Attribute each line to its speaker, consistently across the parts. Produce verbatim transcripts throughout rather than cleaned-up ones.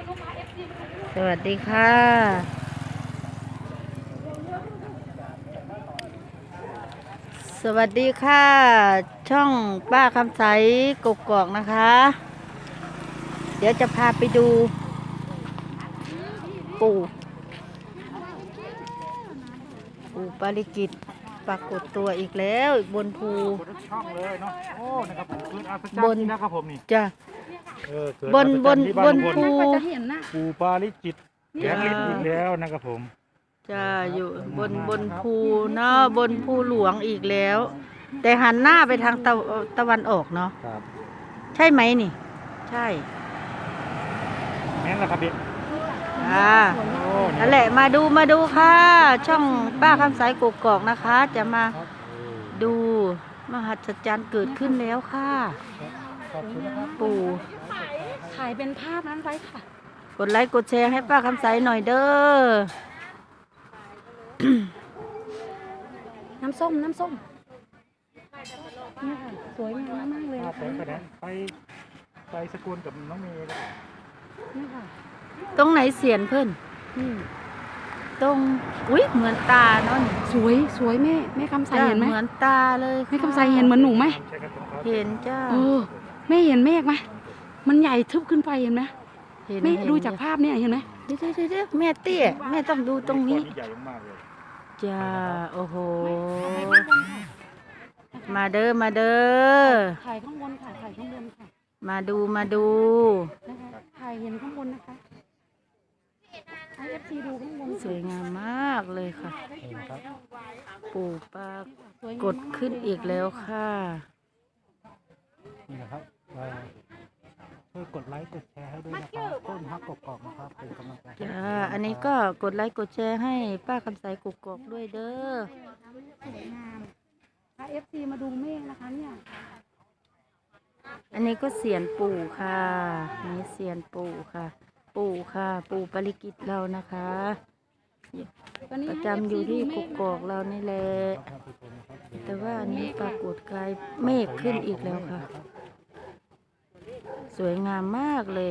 Speaker 1: สวัสดีค่ะสวัสดีค่ะช่องป้าคำใสกกอกนะคะ เดี๋ยวจะพาไปดูปู่ปู่ปาริกิตปรากฏตัวอีกแล้วบนภู
Speaker 2: ช่องเลยเนาะโอ้นะครับผมเกิดอัศจร
Speaker 1: บ
Speaker 2: ร
Speaker 1: น
Speaker 2: ย์นะครับผมนี่
Speaker 1: จ้ะ
Speaker 2: เออเกิด
Speaker 1: บนบน
Speaker 2: อัศจรรย์ที่
Speaker 1: บน
Speaker 2: ลุงพล
Speaker 1: ภู
Speaker 2: ปูปาริจิตแกงลิ้นอีกแล้วนะครับผม
Speaker 1: จ้ะอยู่บนบนภูเนาะบนภูหลวงอีกแล้ว แต่หันหน้าไปทางตะตะวันออกเนาะ
Speaker 2: ครับ
Speaker 1: ใช่ไหมนี่ ใช่
Speaker 2: แม่นละครับพี่
Speaker 1: อ่า
Speaker 2: โอ้นี่
Speaker 1: นั่นแหละมาดูมาดูค่ะ ช่องป้าคำสายกกอกนะคะ จะมา
Speaker 2: ครับเออ
Speaker 1: ดูมหัศจรรย์เกิดขึ้นแล้วค่ะ
Speaker 2: ขอบคุณนะครับ
Speaker 1: ปู่
Speaker 3: ถ่ายเป็นภาพนั้นไว้ค่ะ
Speaker 1: กดไลค์กดแชร์ให้ป้าคำสายหน่อยเด้อ
Speaker 3: น้ำส้ม น้ำส้มเนี่ยค่ะ สวยงามมากเลย
Speaker 2: ภา
Speaker 3: นะ
Speaker 2: พ
Speaker 3: คะ
Speaker 2: ไปกันนะไปไปสกุลกับน้องเมย์นะครับ
Speaker 3: เนี่ยค่ะ
Speaker 1: ตรงไหนเสียนเพิ่น
Speaker 3: นี่
Speaker 1: ตรงอุ้ยเหมือนตาเนาะนี่
Speaker 3: สวย สวยแม่ แม่คำใส
Speaker 1: จ้ะ
Speaker 3: เห็นไหม
Speaker 1: เหมือนตาเลย
Speaker 3: แม่คำใสเห็นเหมือนหนูไหม
Speaker 2: ใช่ครับผมครับ
Speaker 1: เห็นจ้า
Speaker 3: เออ แม่เห็นเมฆไหม มันใหญ่ทึบขึ้นไปเห็นไหม
Speaker 1: เห็น
Speaker 3: แม่
Speaker 1: เห็น
Speaker 3: ดูจากภาพเนี่ยเห็นไหม
Speaker 1: เดี๋ยวเดี๋ยวเดี๋ยวแม่เตี้ยแม่ต้องดูตรงนี้
Speaker 2: ก้อใหญ่มากเลย
Speaker 1: จ้าโอ้โห มาเด้อมาเด้อ
Speaker 3: ถ่ายข้างบนค่ะ ถ่ายข้างบนค่ะ
Speaker 1: มาดูมาดู
Speaker 3: นะคะถ่ายเห็นข้างบนนะคะไอเอฟซีดูข้างบน
Speaker 1: สวยงามมากเลยค่ะ
Speaker 2: เห็นครับ
Speaker 1: ปู่ปาก
Speaker 3: สวยงาม
Speaker 1: กดขึ้นอีกแล้วค่ะ
Speaker 2: นี่นะครับเอ่อช่วยกดไลค์กดแชร์ให้ด้วยนะครับต้นฮักกกอกนะครับเป็นกำลังใจให้
Speaker 1: จ้า อันนี้ก็กดไลค์กดแชร์ให้ป้าคำใสกกอกด้วยเด้อ
Speaker 3: สวยงามไอเอฟซีมาดูเมฆนะคะเนี่ย
Speaker 1: อันนี้ก็เสียนปู่ค่ะนี่เสียนปู่ค่ะ ปู่ค่ะ ปู่ปริกิตเรานะคะ
Speaker 3: ตอนนี้
Speaker 1: ประ
Speaker 3: ให้
Speaker 1: จำอยู่ที่
Speaker 3: เฟ
Speaker 1: ก
Speaker 3: ซี
Speaker 1: ก
Speaker 3: ดู
Speaker 1: อก
Speaker 3: เมฆ
Speaker 1: เรานี่แหละ
Speaker 2: ท่านผู้ชมนะครับ
Speaker 1: แต่ว่าอันนี้ปรากฏกายเมฆขึ้นอีกแล้วค่ะ สวยงามมากเลย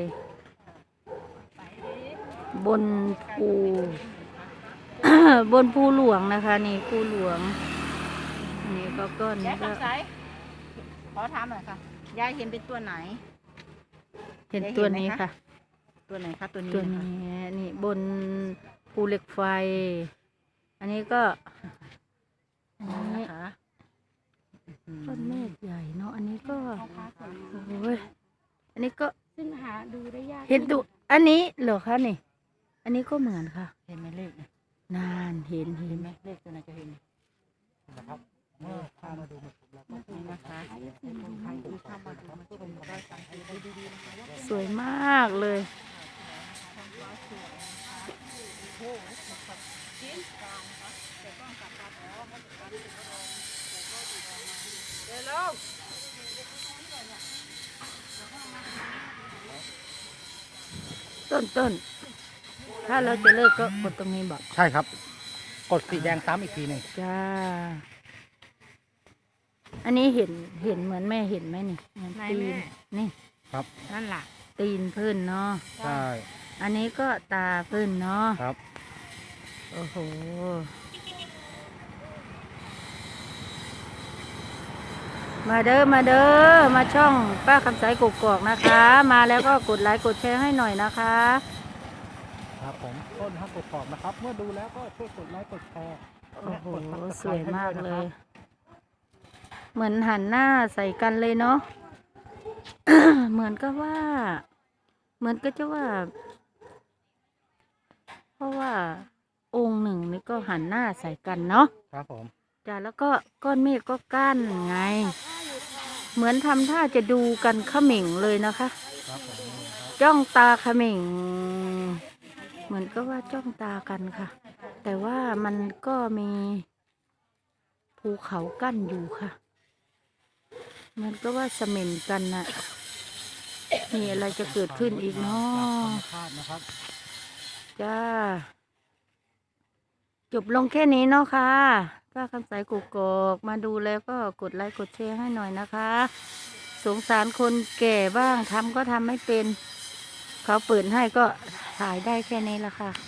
Speaker 1: บนภู บนภูหลวงนะคะ นี่ภูหลวงอันนี้ก็ก้อนนี้ก็
Speaker 4: ขอถามหน่อยค่ะ ยายเห็นเป็นตัวไหน
Speaker 1: เห็นตัวนี้ค่ะ
Speaker 4: ตัวไหนคะตัวนี้
Speaker 1: ตัว
Speaker 4: นะคะ
Speaker 1: นี้นี่บนภูเหล็กไฟ อันนี้ก็อันนี้
Speaker 4: นะคะ
Speaker 1: ก้อนเมฆใหญ่เนาะอันนี้ก็โอ้ยอันนี้ก็
Speaker 3: ซึ่งหาดูได้ยาก
Speaker 1: เห็นตัวอันนี้เหรอคะนี่ อันนี้ก็เหมือนค่ะ
Speaker 4: เห็นไหมเลขเนี่ย
Speaker 1: นานเห็นเห็
Speaker 4: เห็
Speaker 1: น
Speaker 4: นไหมเลขตัวไหนจะเห็น
Speaker 2: นะครับเมื่อพามาดูมาชมแล้วก็
Speaker 4: นี่นะคะใครที่เข้ามาดูมาชมก็ได้สังเกตดูดีๆนะคะว่า
Speaker 1: สวยมากเลย ต้นต้นถ้าเราจะเลิกก็กดตรงนี้บอก
Speaker 2: ใช่ครับ กดสีแดงซ้ำอีกทีหนึ่ง
Speaker 1: จ้า อันนี้เห็นเห็นเหมือนแม่เห็นไหมนี่เหมือนตีนนี่
Speaker 2: ครับ
Speaker 4: นั่นล่ะ
Speaker 1: ตีนเพื่อนเนาะ
Speaker 2: ใช่
Speaker 1: อันนี้ก็ตาเพื่อนเนาะ
Speaker 2: ครับ
Speaker 1: โอ้โห มาเด้อมาเด้อมาช่องป้าคำสายกกอกนะคะ มาแล้วก็กดไลค์กดแชร์ให้หน่อยนะคะ
Speaker 2: ครับผมต้นฮักกกอกนะครับ เมื่อดูแล้วก็ช่วยกดไลค์กดแชร์
Speaker 1: โอ้โห
Speaker 2: และกด
Speaker 1: สวย
Speaker 2: Subscribe
Speaker 1: มาก
Speaker 2: ให้
Speaker 1: เล
Speaker 2: ด้ว
Speaker 1: ย
Speaker 2: นะค
Speaker 1: เหมือนหันหน้าใส่กันเลยเนาะ เหมือนก็ว่า เหมือนก็จะว่า เพราะว่าองค์หนึ่งนี่ก็หันหน้าใส่กันเนาะ
Speaker 2: รับครับผม
Speaker 1: จ้ะแล้วก็ก้อนเมฆก็กั้นไง เหมือนทำท่าจะดูกันเขม่งเลยนะคะ
Speaker 2: ครับผมนี่ครับ
Speaker 1: จ้องตาเขม่ง เหมือนก็ว่าจ้องตากันค่ะ แต่ว่ามันก็มีภูเขากั้นอยู่ค่ะ มันก็ว่าเสม่นกันน่ะมีอะไรจะเกิดขึ้นอีกเนาะ
Speaker 2: ธรรมชาตินะครับ
Speaker 1: จ้า จบลงแค่นี้เนาะค่ะป้าคำสายกุกกอกมาดูแล้วก็กดไลค์กดแชร์ให้หน่อยนะคะ สงสารคนแก่บ้างทำก็ทำไม่เป็นเขาเปิดให้ก็ถ่ายได้แค่นี้ละค่ะ